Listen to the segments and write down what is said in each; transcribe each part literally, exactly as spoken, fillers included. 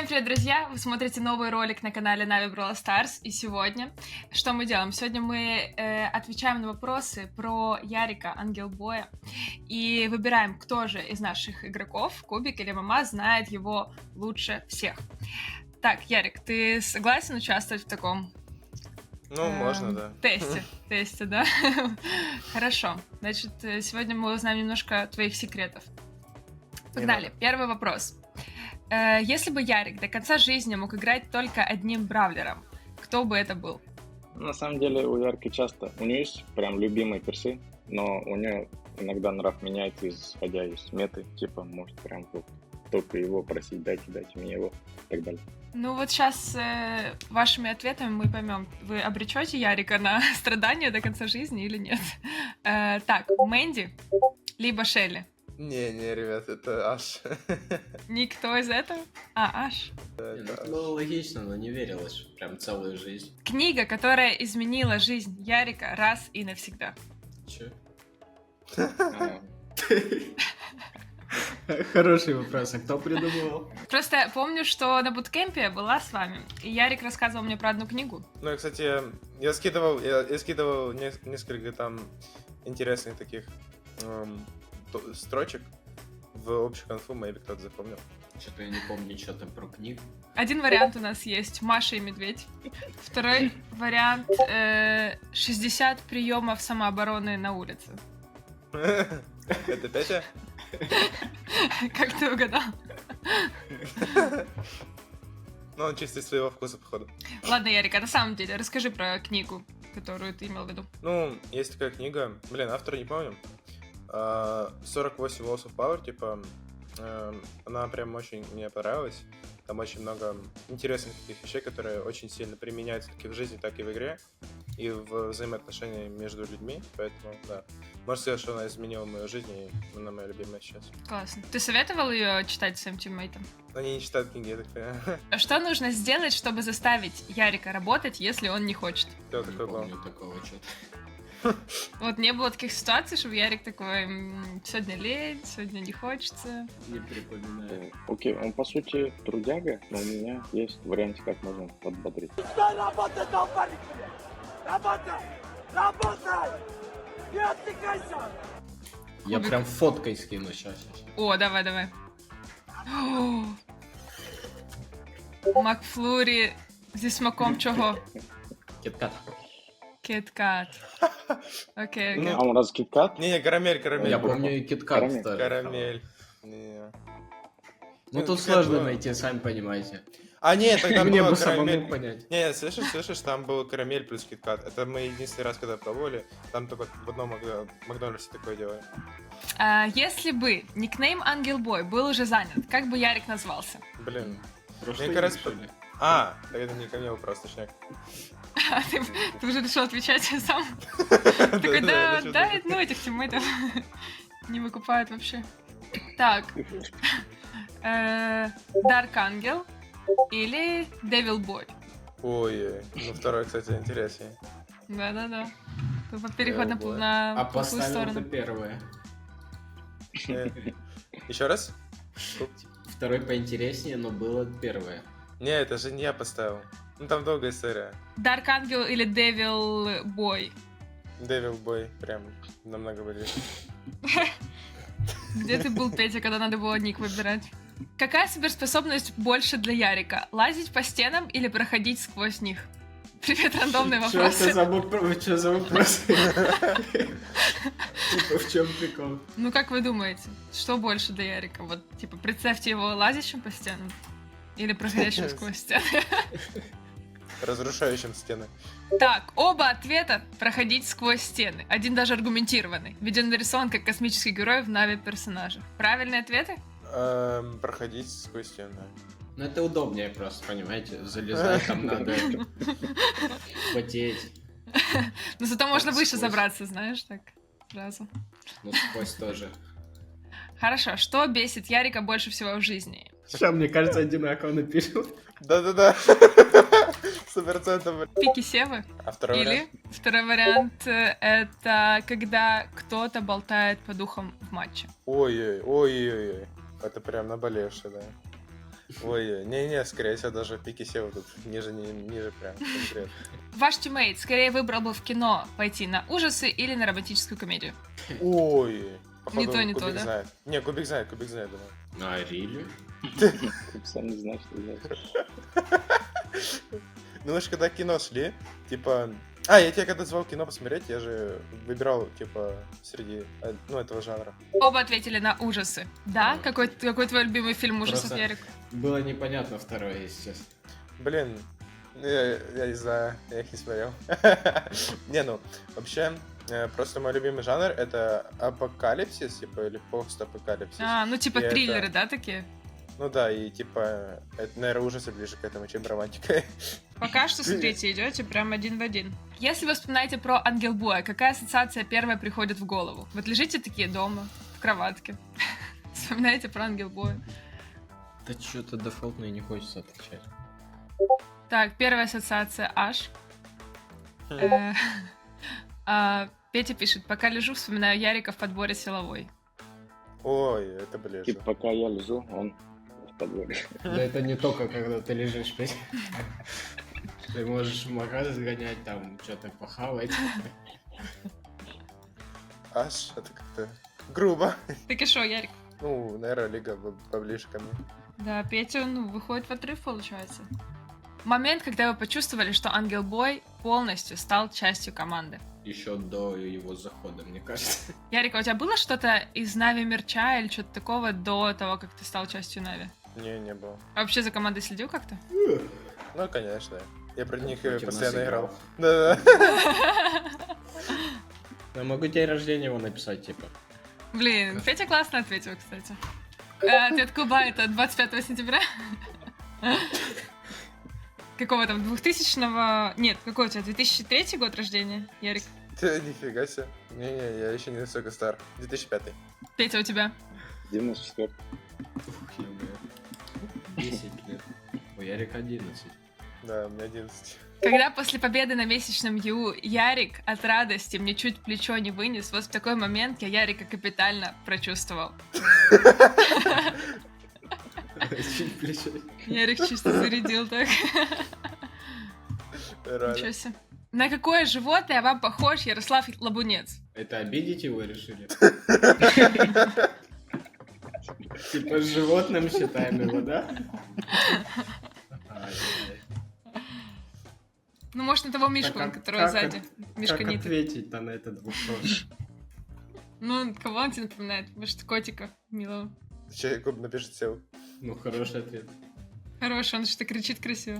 Всем привет, друзья! Вы смотрите новый ролик на канале Na'Vi Brawl Stars. И сегодня что мы делаем? Сегодня мы э, отвечаем на вопросы про Ярика Ангелбоя и выбираем, кто же из наших игроков, Кубик или Мама, знает его лучше всех. Так, Ярик, ты согласен участвовать в таком Ну, э, можно, да. Тесте, тесте, да? Хорошо. Значит, сегодня мы узнаем немножко твоих секретов. Погнали. Первый вопрос. Если бы Ярик до конца жизни мог играть только одним бравлером, кто бы это был? На самом деле у Ярки часто, у нее есть прям любимые персы, но у нее иногда нрав меняется, исходя из меты, типа, может прям вот только его просить, дайте, дайте мне его, и так далее. Ну вот сейчас э, вашими ответами мы поймем, вы обречете Ярика на страдания до конца жизни или нет. Э, так, Мэнди, либо Шелли? Не, не, ребят, это Аш. Никто из этого? А, Аш. Да, это это было логично, но не верилось прям целую жизнь. Книга, которая изменила жизнь Ярика раз и навсегда. Че? Хороший вопрос, а кто придумывал? Просто помню, что на буткемпе я была с вами, и Ярик рассказывал мне про одну книгу. Ну и, кстати, я скидывал, я, я скидывал не, несколько там интересных таких эм, строчек в общую конфу, maybe кто-то запомнил. Что-то я не помню, что там про книгу. Один вариант у нас есть Маша и Медведь. Второй вариант э, шестьдесят приемов самообороны на улице. Это Петя? Как ты угадал? Ну, он чисто из своего вкуса, походу. Ладно, Ярик, а на самом деле расскажи про книгу, которую ты имел в виду. Ну, есть такая книга, блин, автора не помню. сорок восемь Laws of Power, типа, она прям очень мне понравилась. Там очень много интересных таких вещей, которые очень сильно применяются как и в жизни, так и в игре, и в взаимоотношениях между людьми, поэтому, да. Можно сказать, что она изменила мою жизнь, и она моя любимая сейчас. Классно. Ты советовал ее читать своим тиммейтам? Они не читают книги, я так понимаю. А что нужно сделать, чтобы заставить Ярика работать, если он не хочет? Кто такой был? Не помню такого что-то. Вот не было таких ситуаций, чтобы Ярик такой, сегодня лень, сегодня не хочется. Не припоминаю. Окей, okay, он по сути трудяга, но у меня есть вариант, как можно подбодрить. Работай, долбарик! Работай! Работай! Не отвлекайся! Я Кубик. прям фоткой скину сейчас. О, давай, давай. Макфлурі зі смаком чого? Киткат. Киткат. Окей, окей. А он раз киткат? Не-не, карамель, карамель. Я помню и киткат Карамель. тоже. Карамель. Не-не. Ну тут сложно найти, сами понимаете. А, нет, тогда Мне была бы самому карамель. понять. Не, слышишь, слышишь, там был карамель плюс киткат. Это мы единственный раз, когда пробовали, там только в одном Мак- Макдональдсе такое делали. А, если бы никнейм Ангелбой был уже занят, как бы Ярик назвался? Блин. Прошлый Мне кажется, день, что ли? А, так это не ко мне вопрос, точняк. А ты, ты уже решил отвечать сам? Такой, да, да, ну этих тиммейтов не выкупают вообще. Так. Дарк Ангел или Девил Бой? Ой, ну второй, кстати, интереснее. Да-да-да. Переход на, Devil Boy. на А плохую поставил сторону. ты первое. Еще раз? Второй поинтереснее, но было первое. Не, это же не я поставил. Ну там долгая история. Дарк Ангел или Девил Бой? Devil Boy прям намного более. Где ты был, Петя, когда надо было ник выбирать? Какая суперспособность больше для Ярика? Лазить по стенам или проходить сквозь них? Привет, рандомные Что это вопросы. за вопрос? Что за вопрос? Типа, в чем прикол? Ну, как вы думаете, что больше для Ярика? Вот, типа, представьте его лазящим по стенам или проходящим сквозь стены. Разрушающим стены. Так, оба ответа проходить сквозь стены. Один даже аргументированный. Ведь он нарисован как космический герой в Нави персонажах. Правильные ответы? Эм, проходить сквозь стены. Ну это удобнее просто, понимаете? Залезать там надо, потеть. Но зато можно Так, выше сквозь. забраться, знаешь, так сразу. Ну сквозь тоже. Хорошо, что бесит Ярика больше всего в жизни? Сейчас, мне кажется, одинаково напишут. Да-да-да. Сто процентов. Пики Севы? А второй Или вариант? второй вариант э, это когда кто-то болтает по духам в матче. Ой-ой, ой-ой-ой. Это прям наболевшее, да. Ой, не-не, скорее всего, даже пики сева тут ниже, не, ниже прям конкретно. Ваш тиммейт скорее выбрал бы в кино пойти на ужасы или на романтическую комедию? Ой, походу, то, не то, Кубик да? знает. Не, Кубик знает, Кубик знает, думаю. А, Рили? Сам не знаю, что делать. Ну мы же когда кино шли, типа... А, я тебя когда звал кино посмотреть, я же выбирал, типа, среди, э, ну, этого жанра. Оба ответили на ужасы. Да? Да. Какой, какой твой любимый фильм ужасов, Просто- Ярик? Было непонятно второе, если честно. Блин, я, я не знаю, я их не смотрел. Не, ну, вообще, э, просто мой любимый жанр — это апокалипсис, типа, или постапокалипсис. А, ну типа И это- триллеры, да, такие? Ну да, и типа, это, наверное, ужасы ближе к этому, чем романтика. Пока что, смотрите, идете прям один в один. Если вы вспоминаете про Ангелбоя, какая ассоциация первая приходит в голову? Вот лежите такие дома, в кроватке, вспоминаете про Ангелбоя. Да что-то дефолтно и не хочется отвечать. Так, первая ассоциация Аш. Э, а, Петя пишет, пока лежу, вспоминаю Ярика в подборе силовой. Ой, это ближе. Типа, пока я лежу, он в подворье. Да это не только когда ты лежишь, Петь. Ты можешь в магазин сгонять, там что-то похавать. Аж, это как-то грубо. Так и шо, Ярик? Ну, наверное, Лига б- поближе ко мне. Да, Петя, ну, выходит в отрыв, получается. Момент, когда вы почувствовали, что Ангелбой полностью стал частью команды. Еще до его захода, мне кажется. Ярик, а у тебя было что-то из Нави мерча или что-то такого до того, как ты стал частью Нави? Не, не было. А вообще за командой следил как-то? Ну, конечно. Я про них э, Против нас постоянно играл. играл. Да-да. Я могу день рождения его написать, типа. Блин, Петя классно ответил, кстати. Э, Ответ Куба это двадцать пятого сентября. Какого там, двухтысячного... Нет, какой у тебя, две тысячи третий год рождения, Ярик? Ты нифига себе. Не-не, я еще не настолько стар. две тысячи пятый. Петя, у тебя? девяносто четвёртый. Ух, ё-моё. десять лет. У Ярика одиннадцать. Да, у меня одиннадцать. Когда после победы на месячном ю Ярик от радости мне чуть плечо не вынес, вот в такой момент я Ярика капитально прочувствовал. Чуть плечо. Ярик чисто зарядил так. Ничего Реально. себе. На какое животное вам похож Ярослав Лабунец? Это обидеть его решили? Типа с животным считаем его, да? Ай-яй. Ну, может, на того Мишку, Так, а который как сзади. от- Мишка Как Ниток. ответить-то на этот вопрос? Ну, кого он тебе напоминает? Может, котика милого. Че, Куб напишет сел. Ну, хороший ответ. Хороший, он что-то кричит красиво.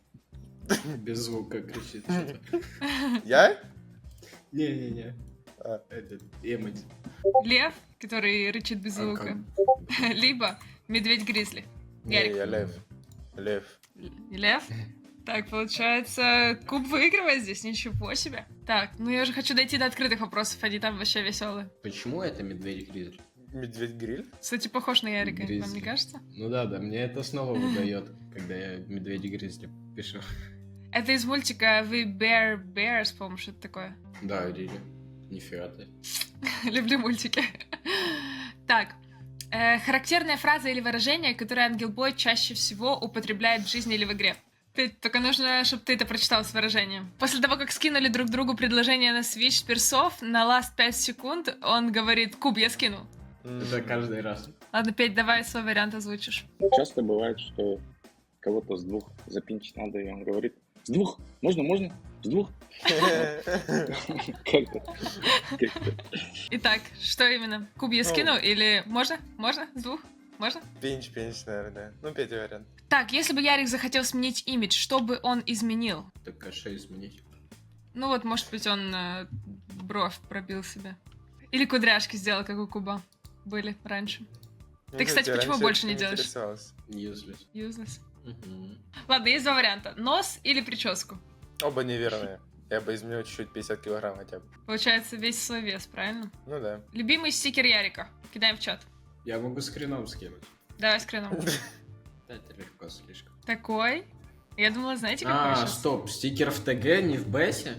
Без звука кричит что-то. Я? Не-не-не. А. Этот, эмодзи. Лев, который рычит без А звука. Либо медведь-гризли. Не, Ярик. я лев. Лев. Лев? Так, получается, Куб выигрывает здесь, ничего себе. Так, ну я уже хочу дойти до открытых вопросов, они там вообще веселые. Почему это медведь-гризли? Медведь-гриль? Кстати, похож на Ярика, вам не Гризли. кажется? Ну да, да, мне это снова выдает, когда я медведь-гризли пишу. Это из мультика We Bear Bears, по-моему, что-то такое. Да, Рили. Нифига ты. Люблю мультики. Так, э, характерная фраза или выражение, которое Ангелбой чаще всего употребляет в жизни или в игре. Ты, только нужно, чтобы ты это прочитал с выражением. После того, как скинули друг другу предложение на Switch персов, на last пять секунд он говорит: «Куб, я скину». Это каждый раз. Ладно, Петь, давай свой вариант озвучишь. Часто бывает, что кого-то с двух запинчить надо, и он говорит: с двух? Можно, можно? С двух? Как-то. Как-то. Итак, что именно? Куб, я Ну. скину или можно? Можно? С двух? Можно? Пинч, пинч, наверное, да. Ну, Петя вариант. Так, если бы Ярик захотел сменить имидж, что бы он изменил? Так кэше изменить. Ну вот, может быть, он э, бровь пробил себе. Или кудряшки сделал, как у Куба были раньше. Ты, кстати, раньше почему больше этим не делаешь? интересовался. Useless. Useless. Мгм. Ладно, есть два варианта. Нос или прическу. Оба неверные. Я бы изменил чуть-чуть пятьдесят килограмм хотя бы. Получается, весь свой вес, правильно? Ну да. Любимый стикер Ярика. Кидаем в чат. Я могу скрином скинуть. Давай скрином. Да, это легко слишком. Такой. Я думала, знаете, какой А, сейчас? стоп, стикер в ТГ, не в Бэсе?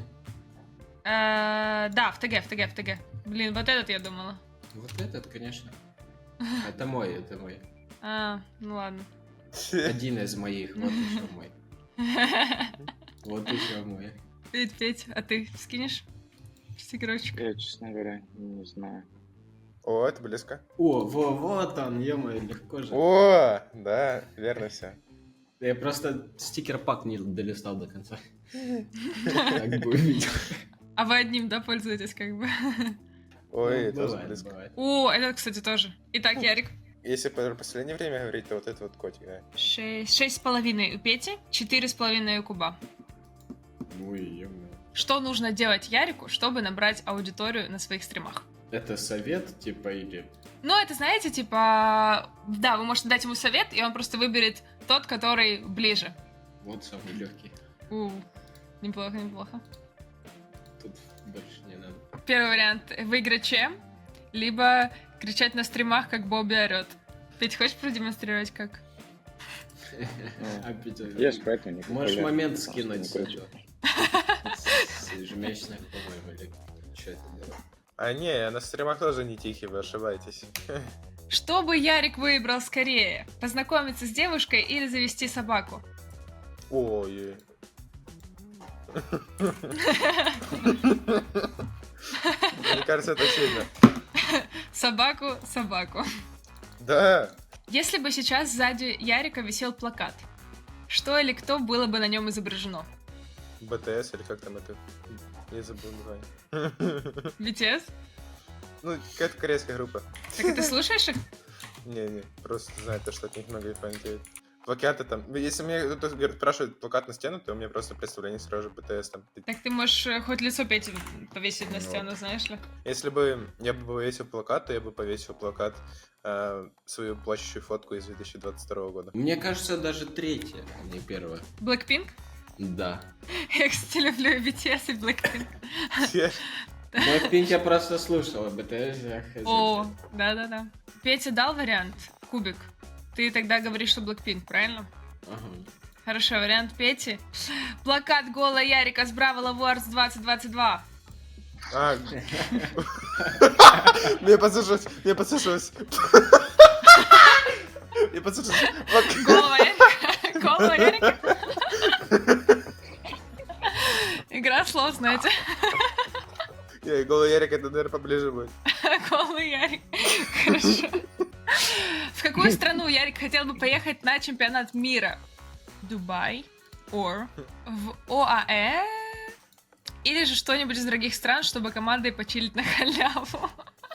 Э, Да, в ТГ, в ТГ, в ТГ. Блин, вот этот я думала. Вот этот, конечно. Это мой, это мой. А, ну ладно. Один из моих, вот еще мой. Вот еще мой. Петь, Петь, а ты скинешь стикерочек? Я, честно говоря, не знаю. О, это близко. О, во, вот он, ё-моё, легко же. О, да, верно все. Я просто стикер-пак не долистал до конца. Так бы увидел. А вы одним, да, пользуетесь как бы? Ой, Ну, тоже бывает, близко. бывает. О, это, кстати, тоже. Итак, Ярик. Если про последнее время говорить, то вот это вот котик, да. Шесть, шесть с половиной у Пети, четыре с половиной у Куба. Ой, ё-моё. Что нужно делать Ярику, чтобы набрать аудиторию на своих стримах? Это совет, типа, или... Ну, это, знаете, типа... Да, вы можете дать ему совет, и он просто выберет тот, который ближе. Вот самый легкий. У, неплохо, неплохо. Тут больше не надо. Первый вариант — выиграть чем? Либо кричать на стримах, как Бобби орёт. Петь, хочешь продемонстрировать, как? А, Петя, Я ж поэтому не можешь популярен, момент потому что скинуть не с кручу. этого. С ежемесячных, по-моему, или что это было? А не, я на стримах тоже не тихий, вы ошибаетесь. Что бы Ярик выбрал скорее? Познакомиться с девушкой или завести собаку? Ой. Мне кажется, это сильно. Собаку, собаку. Да. Если бы сейчас сзади Ярика висел плакат, что или кто было бы на нем изображено? БТС или как там это? Я забыл название. би ти эс? Ну, какая-то корейская группа. Так и ты слушаешь их? Не-не, просто знаю, то, что от них много фанатеют. Плакаты там. Если мне кто-то говорит, спрашивает плакат на стену, то у меня просто представление сразу же БТС там. Так ты можешь э, хоть лицо Пети повесить на Ну. стену, знаешь ли? Если бы я бы повесил плакат, то я бы повесил плакат, э, свою плачущую фотку из две тысячи двадцать второго года. Мне кажется, даже третье, а не первое. Blackpink? Да. Я, кстати, люблю и би ти эс, и Blackpink. Blackpink я просто слушал, а бэ тэ эс я хз. О, да-да-да. Петя дал вариант? Кубик. Ты тогда говоришь, что Blackpink, правильно? Ага. Хорошо, вариант Пети. Плакат гола Ярика с Бравл Awards двадцать двадцать два. А, мне послышалось, мне послышалось. Мне послышалось. Голова Ярика. Голова Ярика. Игра слов, знаете. Не, голый Ярик, это, наверное, поближе будет. Голый Ярик. Хорошо. В какую страну Ярик хотел бы поехать на чемпионат мира? Дубай? Or в ОАЭ? Или же что-нибудь из других стран, чтобы командой почилить на халяву?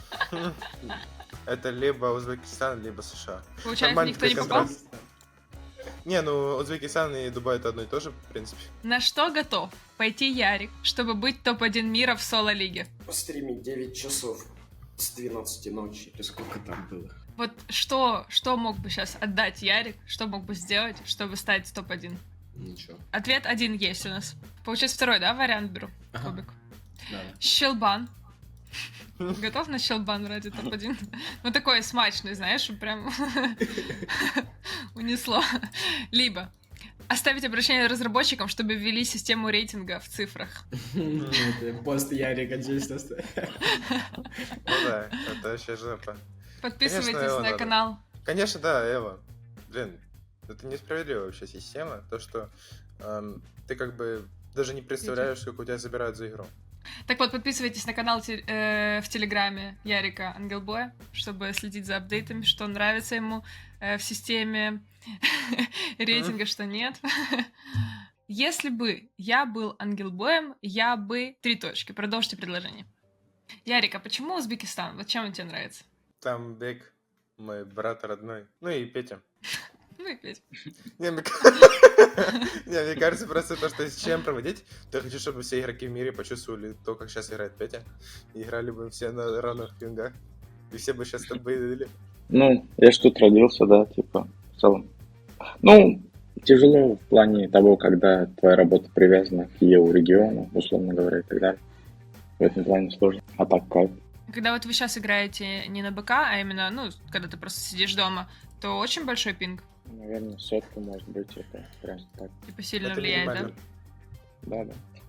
Это либо Узбекистан, либо США. Получается, Нормальный никто не такой попал? контраст. Не, ну Узбекистан и Дубай это одно и то же, в принципе. На что готов пойти Ярик, чтобы быть топ один мира в соло-лиге? Постримить девять часов с двенадцати ночи, или сколько там было. Вот что, что мог бы сейчас отдать Ярик, что мог бы сделать, чтобы стать топ один? Ничего. Ответ один есть у нас. Получается, второй, да, вариант беру? Ага. Кубик. Да. Щелбан. Готов на щелбан ради топ один? Ну, такой смачный, знаешь, чтобы прям унесло. Либо оставить обращение разработчикам, чтобы ввели систему рейтинга в цифрах. Пост Ярика здесь оставил. Ну да, это вообще жопа. Подписывайтесь Конечно, его на надо. канал. Конечно, да, Эва. Блин, это несправедливая вообще система. То, что эм, ты как бы даже не представляешь, сколько у тебя забирают за игру. Так вот, подписывайтесь на канал те- э, в Телеграме Ярика Ангелбоя, чтобы следить за апдейтами, что нравится ему э, в системе рейтинга, что нет. Если бы я был Ангелбоем, я бы... Три точки. Продолжите предложение. Ярик, а почему Узбекистан? Вот чем он тебе нравится? Там Бек, мой брат родной. Ну и Петя. Ну и Петь. Не, мне... Не, мне кажется, просто то, что с чем проводить, то я хочу, чтобы все игроки в мире почувствовали то, как сейчас играет Петя. И играли бы все на равных пингах. И все бы сейчас так были. Ну, я ж тут родился, да, типа, в целом. Ну, тяжело в плане того, когда твоя работа привязана к Еврорегиону, условно говоря, и так далее. В этом плане сложно. А так как? Когда вот вы сейчас играете не на БК, а именно, ну, когда ты просто сидишь дома, то очень большой пинг. Наверное, сотка, может быть, это прям так. Типа сильно Это влияет, да? минимально. Да, да.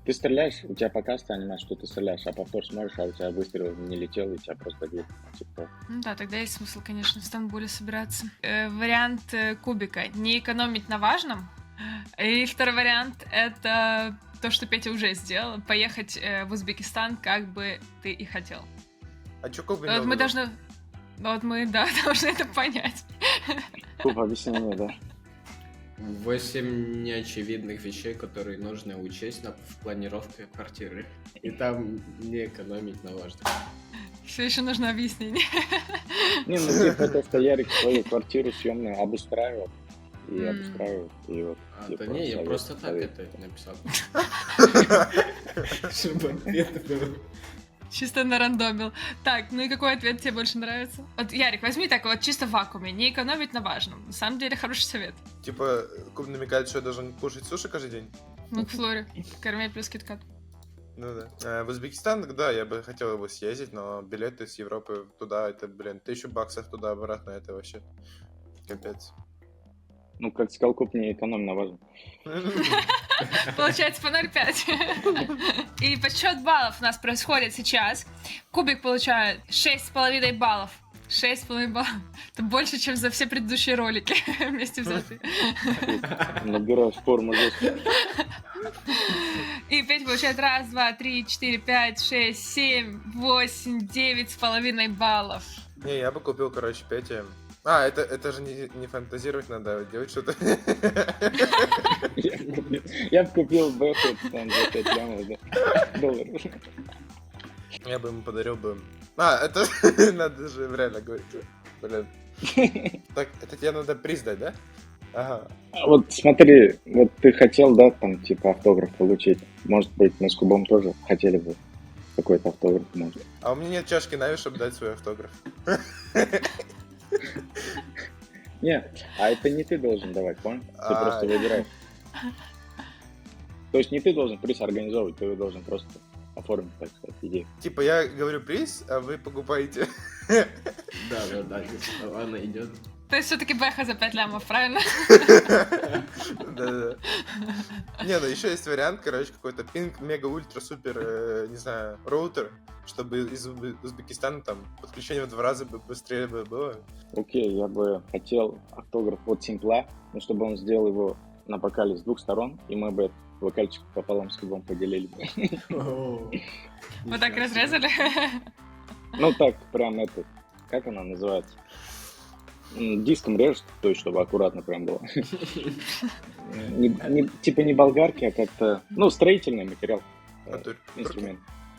Ты стреляешь, у тебя пока анимация, что ты стреляешь, а повтор смотришь, а у тебя выстрел не летел, и тебя просто бьют. Типа. Ну да, тогда есть смысл, конечно, в Стамбуле собираться. Э, вариант э, кубика. Не экономить на важном. И второй вариант — это то, что Петя уже сделал. Поехать э, в Узбекистан, как бы ты и хотел. А чё куб Вот имел в мы виду? должны... Вот мы, да, должны это понять. Куб объяснения, да. Восемь неочевидных вещей, которые нужно учесть на, в планировке квартиры. И там не экономить на важном. Все еще нужно объяснение. Не, ну типа то, что Ярик свою квартиру съемную обустраивал. И М. обустраивал, и вот. А, типа, да не, я совет- просто так совет. это написал. Чтобы ответ был. Чисто нарандомил. Так, ну и какой ответ тебе больше нравится? Вот, Ярик, возьми так вот чисто в вакууме. Не экономить на важном. На самом деле хороший совет. Типа, куб намекает, что я должен кушать суши каждый день? Ну, к Флоре. Корми плюс киткат. Ну да. Э, В Узбекистан, да, я бы хотел его съездить, но билеты с Европы туда, это, блин, тысячу баксов туда-обратно, это вообще капец. Ну, как сказал, куб не экономь на важном. Получается по ноль пять. И подсчет баллов у нас происходит сейчас. Кубик получает шесть с половиной баллов. шесть с половиной баллов. Это больше, чем за все предыдущие ролики вместе взятые. Набираешь форму жестко. И Петя получает раз, два, три, четыре, пять, шесть, семь, восемь, девять с половиной баллов. Не, я бы купил, короче, Пете. А, это, это же не, не фантазировать надо, а делать что-то. Я бы купил- Я бы купил Бэффет там за пять лямов, да, долларов. Я бы ему подарил бы... А, это надо же реально говорить. Блин. Так, это тебе надо приз дать, да? Ага. А вот смотри, вот ты хотел, да, там, типа, автограф получить. Может быть, мы с Кубом тоже хотели бы какой-то автограф, может. А у меня нет чашки Нави, чтобы дать свой автограф. Не, а это не ты должен давать, понял? Ты А. просто выбираешь. То есть не ты должен приз организовывать, ты его должен просто оформить, так сказать, идею. Типа я говорю приз, а вы покупаете. Да, да, да, ладно, идет. То есть все-таки Бэха за пять лямов, правильно? Да-да. Не, ну еще есть вариант, короче, какой-то пинг, мега, ультра, супер, э, не знаю, роутер, чтобы из Узбе- Узбекистана там подключение в два раза бы быстрее бы было. Окей, я бы хотел автограф от Симпла, но чтобы он сделал его на бокале с двух сторон, и мы бы этот бокальчик пополам с Кубом поделили бы. Вот так разрезали. Ну так, прям это, как она называется? М, Диском режешь, то есть, чтобы аккуратно прям было. Не- не- Типа не болгарки, а как-то, ну, строительный материал, э, Натурь. инструмент.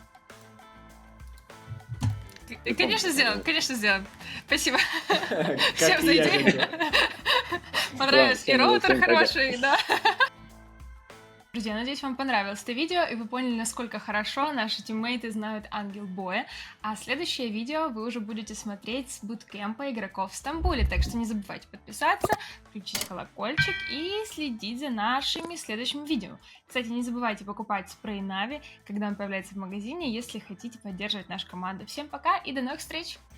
И, Конечно, сделаем, конечно, сделаем. Спасибо Как всем за и я идею. хотел. Понравилось. И всем- роутер всем пока. хороший, да. Друзья, надеюсь, вам понравилось это видео, и вы поняли, насколько хорошо наши тиммейты знают Ангел Боя. А следующее видео вы уже будете смотреть с буткемпа игроков в Стамбуле, так что не забывайте подписаться, включить колокольчик и следить за нашими следующими видео. Кстати, не забывайте покупать спрей Нави, когда он появляется в магазине, если хотите поддерживать нашу команду. Всем пока и до новых встреч!